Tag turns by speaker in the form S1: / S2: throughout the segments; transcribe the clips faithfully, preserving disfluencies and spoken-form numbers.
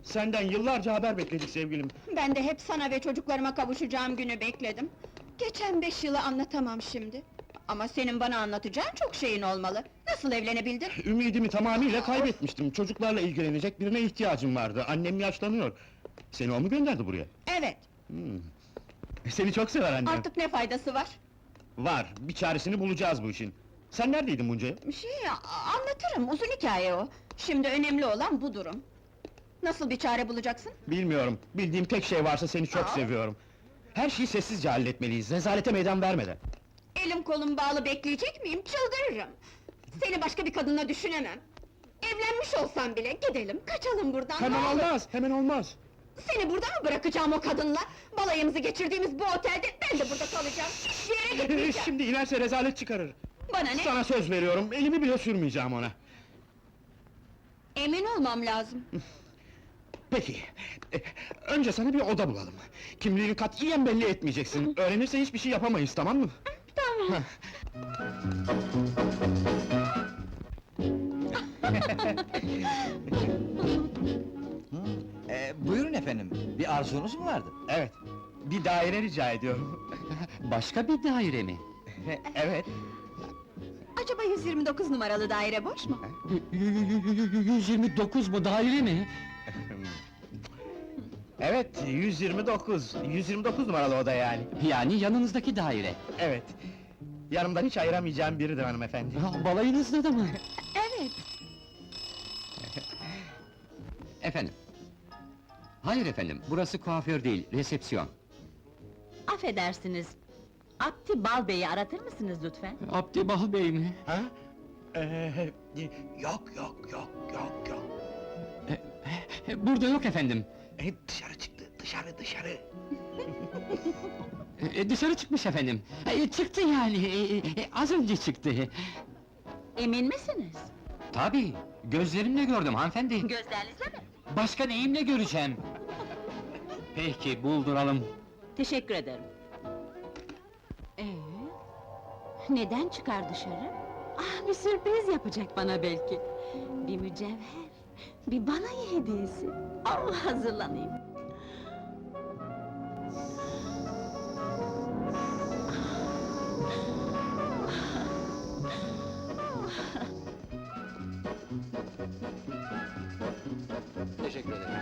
S1: Senden yıllarca haber bekledik sevgilim.
S2: Ben de hep sana ve çocuklarıma kavuşacağım günü bekledim. Geçen beş yılı anlatamam şimdi. Ama senin bana anlatacağın çok şeyin olmalı. Nasıl evlenebildin?
S1: Ümidimi tamamıyla kaybetmiştim. Çocuklarla ilgilenecek birine ihtiyacım vardı. Annem yaşlanıyor. Seni o mu gönderdi buraya?
S2: Evet,
S1: Hmm. Seni çok sever annem.
S2: artık ne faydası var?
S1: Var, bir çaresini bulacağız bu işin. Sen neredeydin bunca yıl?
S2: Şey, a- anlatırım, uzun hikaye o. Şimdi önemli olan bu durum. Nasıl bir çare bulacaksın?
S1: Bilmiyorum, bildiğim tek şey varsa seni çok
S2: Aa.
S1: seviyorum. Her şeyi sessizce halletmeliyiz, rezalete meydan vermeden.
S2: Elim kolum bağlı bekleyecek miyim? Çıldırırım! Seni başka bir kadınla düşünemem. Evlenmiş olsam bile gidelim, kaçalım buradan.
S1: Hemen
S2: ne olur!
S1: olmaz, hemen olmaz!
S2: Seni burada mı bırakacağım o kadınla? Balayımızı geçirdiğimiz bu otelde ben de burada kalacağım. Hiçbir yere gitmeyeceğim.
S1: Şimdi inerse rezalet çıkarır.
S2: Bana ne?
S1: Sana söz veriyorum, elimi bile sürmeyeceğim ona.
S2: Emin olmam lazım.
S1: Peki, e, önce sana bir oda bulalım. Kimliğini katiyen belli etmeyeceksin. Öğrenirse hiçbir şey yapamayız, tamam mı?
S2: Tamam.
S3: Ee, buyurun efendim, bir arzunuz mu vardı?
S1: Evet, bir daire rica ediyorum.
S4: Başka bir daire mi?
S1: Evet.
S2: Acaba yüz yirmi dokuz numaralı daire boş mu?
S4: yüz yirmi dokuz mu daire mi?
S1: Evet, yüz yirmi dokuz, yüz yirmi dokuz numaralı oda yani.
S4: Yani yanınızdaki daire.
S1: Evet. Yanımdan hiç ayıramayacağım biridir hanımefendi.
S4: Ha, balayınızda da mı?
S2: Evet.
S4: Efendim. Hayır efendim, burası kuaför değil, resepsiyon.
S5: Affedersiniz, Abdi Bal Bey'i aratır mısınız lütfen?
S4: Abdi Bal Bey mi?
S1: Ha? Ee, yok, yok, yok, yok, yok.
S4: E, Burada yok efendim.
S1: E, dışarı çıktı, dışarı, dışarı.
S4: E, dışarı çıkmış efendim. E, çıktı yani, e, e, az önce çıktı.
S5: Emin misiniz?
S4: Tabii, gözlerimle gördüm hanımefendi.
S5: Gözlerinizle mi?
S4: Başka neyimle göreceğim? Peki, bulduralım.
S5: Teşekkür ederim. Ee, neden çıkar dışarı? Ah, bir sürpriz yapacak bana belki. Bir mücevher, bir balayı hediyesi. Allah, hazırlanayım.
S4: Teşekkür ederim.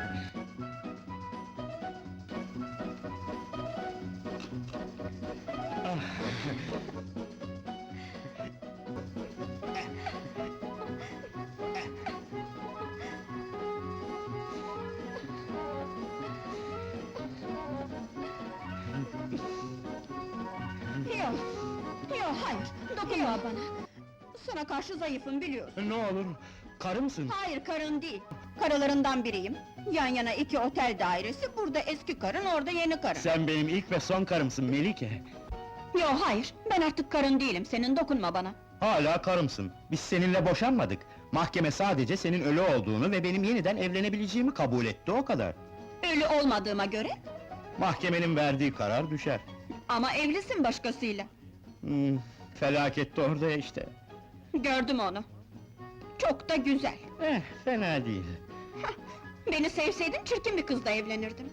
S2: Yok, yok, hayır, dokunma bana! Sana karşı zayıfım biliyorsun.
S1: Ne olur, karı mısın?
S2: Hayır, karın değil! Karılarından biriyim. Yan yana iki otel dairesi, burada eski karın, orada yeni karın.
S1: Sen benim ilk ve son karımsın Melike.
S2: Yok, hayır, ben artık karın değilim, senin dokunma bana!
S1: Hala karımsın. Biz seninle boşanmadık. Mahkeme sadece senin ölü olduğunu ve benim yeniden evlenebileceğimi kabul etti, o kadar.
S2: Ölü olmadığıma göre,
S1: Mahkemenin verdiği karar düşer.
S2: ama evlisin başkasıyla.
S1: Hmm, felaket de orada işte.
S2: Gördüm onu. Çok da güzel.
S1: Eh, fena değil.
S2: Beni sevseydin çirkin bir kızla evlenirdim.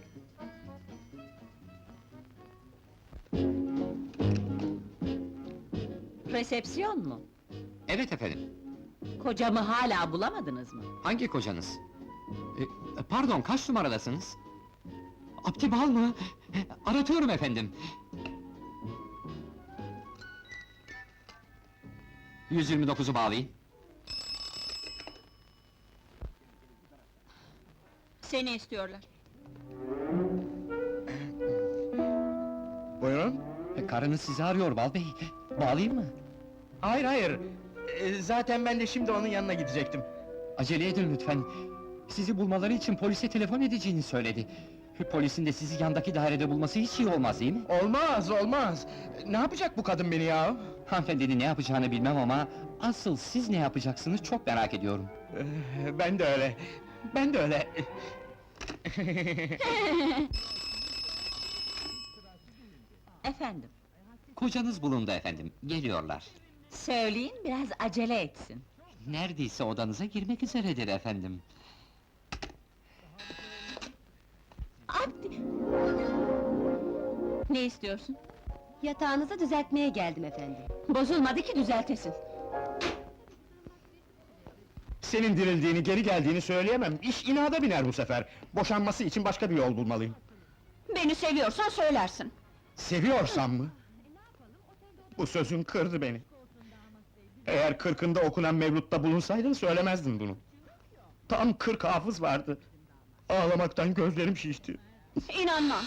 S5: Resepsiyon mu?
S4: Evet efendim.
S5: Kocamı hala bulamadınız mı?
S4: Hangi kocanız? E, pardon, kaç numaradasınız? Abdi Bal mı? E, Aratıyorum efendim. yüz yirmi dokuzu bağlayın.
S2: Seni istiyorlar.
S1: Buyurun.
S4: E, karınız sizi arıyor Bal Bey. Bağlayayım mı?
S1: Hayır, hayır. Ee, zaten ben de şimdi onun yanına gidecektim.
S4: Acele edin lütfen. Sizi bulmaları için polise telefon edeceğini söyledi. Polisin de sizi yandaki dairede bulması hiç iyi olmaz değil mi?
S1: Olmaz, olmaz! Ne yapacak bu kadın beni ya?
S4: Hanımefendinin ne yapacağını bilmem ama... ...asıl siz ne yapacaksınız çok merak ediyorum.
S1: Ee, ben de öyle. Ben de öyle.
S5: Efendim,
S4: Kocanız bulundu efendim, geliyorlar.
S5: söyleyin biraz acele etsin.
S4: Neredeyse odanıza girmek üzeredir efendim.
S5: Ne istiyorsun?
S6: Yatağınızı düzeltmeye geldim efendim.
S5: Bozulmadı ki düzeltesin.
S1: Senin dirildiğini, geri geldiğini söyleyemem. İş inada biner bu sefer. Boşanması için başka bir yol bulmalıyım.
S2: Beni seviyorsan söylersin.
S1: Seviyorsam mı? Bu sözün kırdı beni. Eğer kırkında okunan mevlutta bulunsaydın söylemezdin bunu. Tam kırk hafız vardı. Ağlamaktan gözlerim şişti.
S2: İnanmam.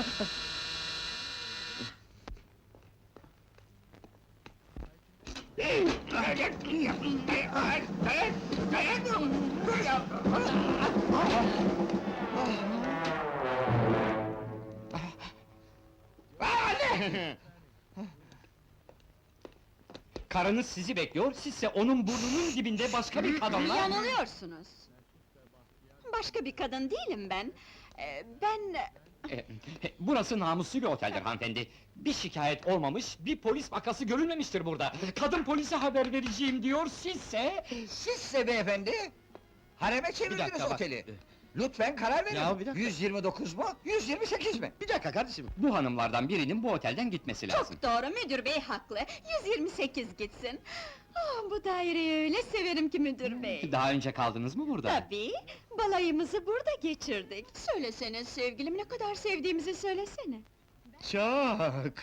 S4: Karınız sizi bekliyor, sizse onun burnunun dibinde başka bir kadınla...
S2: Yanılıyorsunuz. Başka bir kadın değilim ben. Ee, ben...
S4: E, Burası namuslu bir oteldir hanımefendi. Bir şikayet olmamış, bir polis vakası görülmemiştir burada. Kadın polise haber vereceğim diyor, sizse...
S3: Sizse beyefendi, hareme çevirdiniz
S1: dakika, bak.
S3: oteli. Lütfen karar verin.
S1: Ya, bir dakika.
S3: yüz yirmi dokuz mu, yüz yirmi sekiz mi?
S1: Bir dakika kardeşim.
S4: Bu hanımlardan birinin bu otelden gitmesi lazım.
S2: Çok doğru, müdür bey haklı. yüz yirmi sekiz gitsin. Ah, bu daireyi öyle severim ki müdür bey.
S4: Daha önce kaldınız mı burada?
S2: Tabii, balayımızı burada geçirdik. Söylesene sevgilim, ne kadar sevdiğimizi söylesene.
S1: Çok.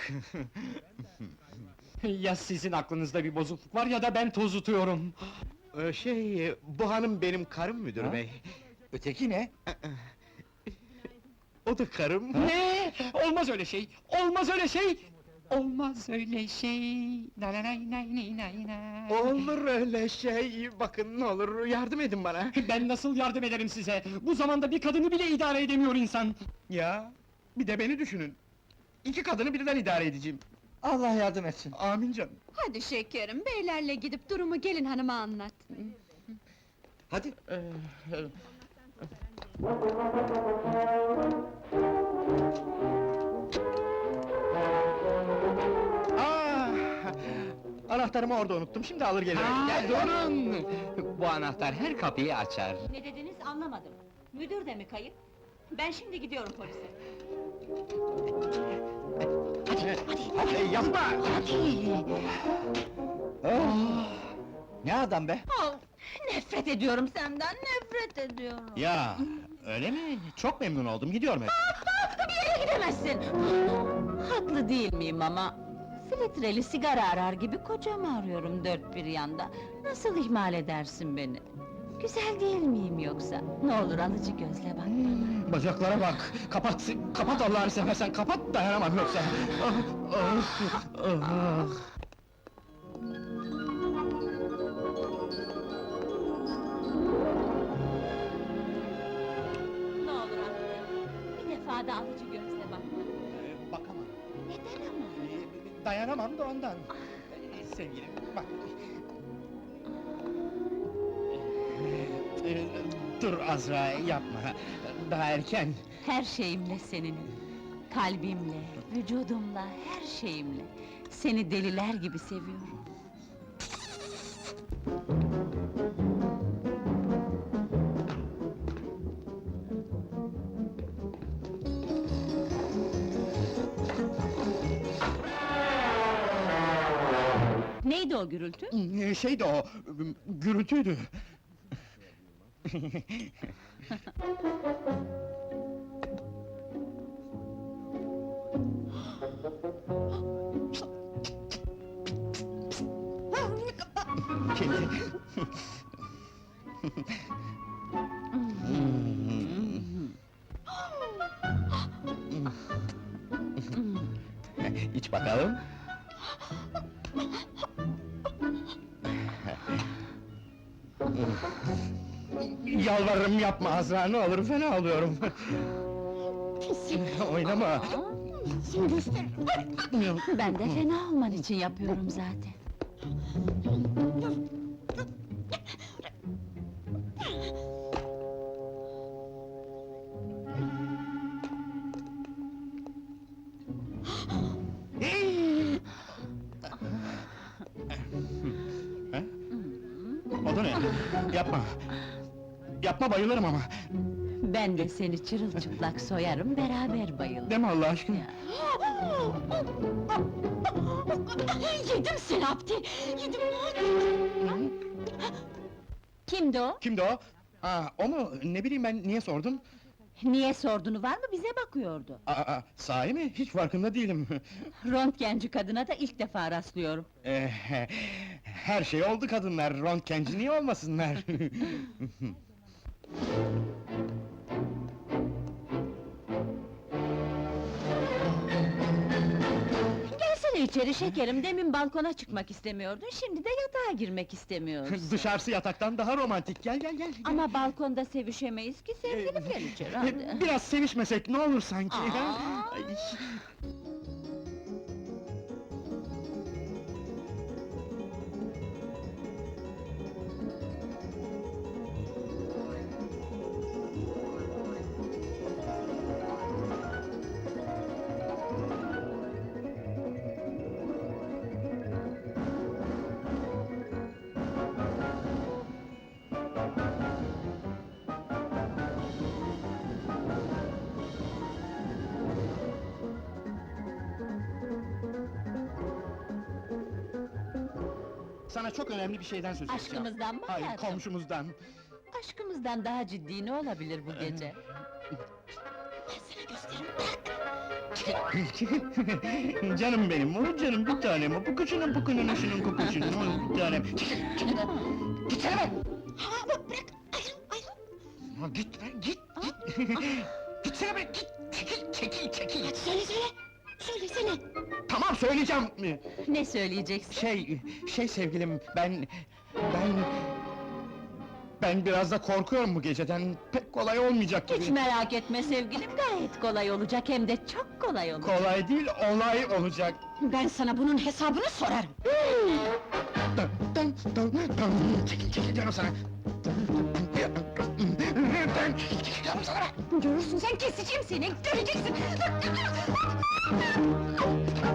S4: Ya sizin aklınızda bir bozukluk var ya da ben tozutuyorum.
S1: Ee, şey, bu hanım benim karım müdür
S3: Ha?
S1: bey.
S3: Öteki ne?
S1: O da karım.
S4: Ne? Olmaz öyle şey! Olmaz öyle şey! Olmaz öyle şey! Na na nay nay nay nay nay.
S1: Olur öyle şey, bakın ne olur yardım edin bana.
S4: Ben nasıl yardım ederim size? Bu zamanda bir kadını bile idare edemiyor insan!
S1: Ya, bir de beni düşünün. İki kadını birden idare edeceğim.
S3: Allah yardım etsin.
S1: Amin canım.
S2: Hadi şekerim, beylerle gidip durumu gelin hanıma anlat.
S3: Hadi.
S1: Ee, Aa, anahtarımı orada unuttum, şimdi alır gelirim.
S4: Aa, durun! Bu anahtar her kapıyı açar.
S5: Ne dediniz anlamadım. Müdür de mi kayıp? Ben şimdi gidiyorum polise.
S1: Hadi, yapma!
S3: Oh! Ne adam be?
S5: Oh, nefret ediyorum senden, nefret ediyorum.
S1: Ya, öyle mi? Çok memnun oldum, gidiyorum hep.
S5: Bir yere gidemezsin! Haklı değil miyim ama? Filtreli sigara arar gibi kocamı arıyorum dört bir yanda. Nasıl ihmal edersin beni? Güzel değil miyim yoksa? Ne olur alıcı gözle bak bana.
S1: Bacaklara bak, kapat, kapat Allah'ını seversen, kapat, dayanamam yoksa. Ah, ah, ah.
S5: Ne olur affet. Bir defa da alıcı gözle bak bana.
S1: Ee, Bakamam.
S5: Neden ama?
S1: Ee, Dayanamam da ondan. Ee, Sevgilim, bak. Ee, Dur Azra, yapma. Daha erken.
S5: Her şeyimle seninim. Kalbimle, vücudumla, her şeyimle. Seni deliler gibi seviyorum. Neydi o gürültü?
S1: Ee, Şeydi o, gürültüydü. Kedi. İç bakalım. Yalvarırım yapma Azra, ne olur fena oluyorum. Oynama.
S5: Ben de fena olman için yapıyorum zaten.
S1: O da ne? Yapma! Yapma, bayılırım ama!
S5: Ben de seni çırılçıplak soyarım, beraber bayılırız.
S1: Deme Allah aşkına.
S5: Ya. Yedim seni Abdi! Yedim! Kimdi o?
S1: Kimdi o? Aa, o mu? Ne bileyim ben, niye sordum?
S5: Niye sorduğunu var mı, bize bakıyordu.
S1: Aa, aa, sahi mi? Hiç farkında değilim.
S5: Röntgenci kadına da ilk defa rastlıyorum.
S1: Eh, her şey oldu kadınlar, röntgenci niye olmasınlar?
S5: Gelsene içeri şekerim, demin balkona çıkmak istemiyordun, şimdi de yatağa girmek istemiyorsun.
S1: Dışarısı yataktan daha romantik, gel gel gel!
S5: Ama balkonda sevişemeyiz ki, sevgilim gel içeri hadi.
S1: Biraz sevişmesek ne olur sanki? ha?
S5: Aa!
S1: Ay. Sana çok önemli bir şeyden söz edeceğim.
S5: Aşkımızdan mı
S1: Hayır,
S5: hayatım?
S1: komşumuzdan.
S5: Aşkımızdan daha ciddi ne olabilir bu gece?
S1: Canım benim, o canım bir tanem, o pukuşunun pukunun şunun kupuşunun, o bir tanem. Gitsene be!
S2: Ha, bak, bırak, ayrıl, ayrıl!
S1: Ya git be, git, git! Gitsene be, git! Çekil, çekil, çekil!
S2: Hadi söyle, söyle! Söylesene!
S1: Tamam, söyleyeceğim!
S5: Ne söyleyeceksin?
S1: Şey, şey sevgilim, ben... Ben... Ben biraz da korkuyorum bu geceden, pek kolay olmayacak gibi.
S5: Hiç merak etme sevgilim, gayet kolay olacak, hem de çok kolay olacak.
S1: Kolay değil, olay olacak.
S2: Ben sana bunun hesabını sorarım!
S1: Dın, dın, dın, dın. Çekil, çekil diyorum sana! Dın, çekil, çekil diyorum sana!
S2: Görürsün sen, keseceğim seni, göreceksin!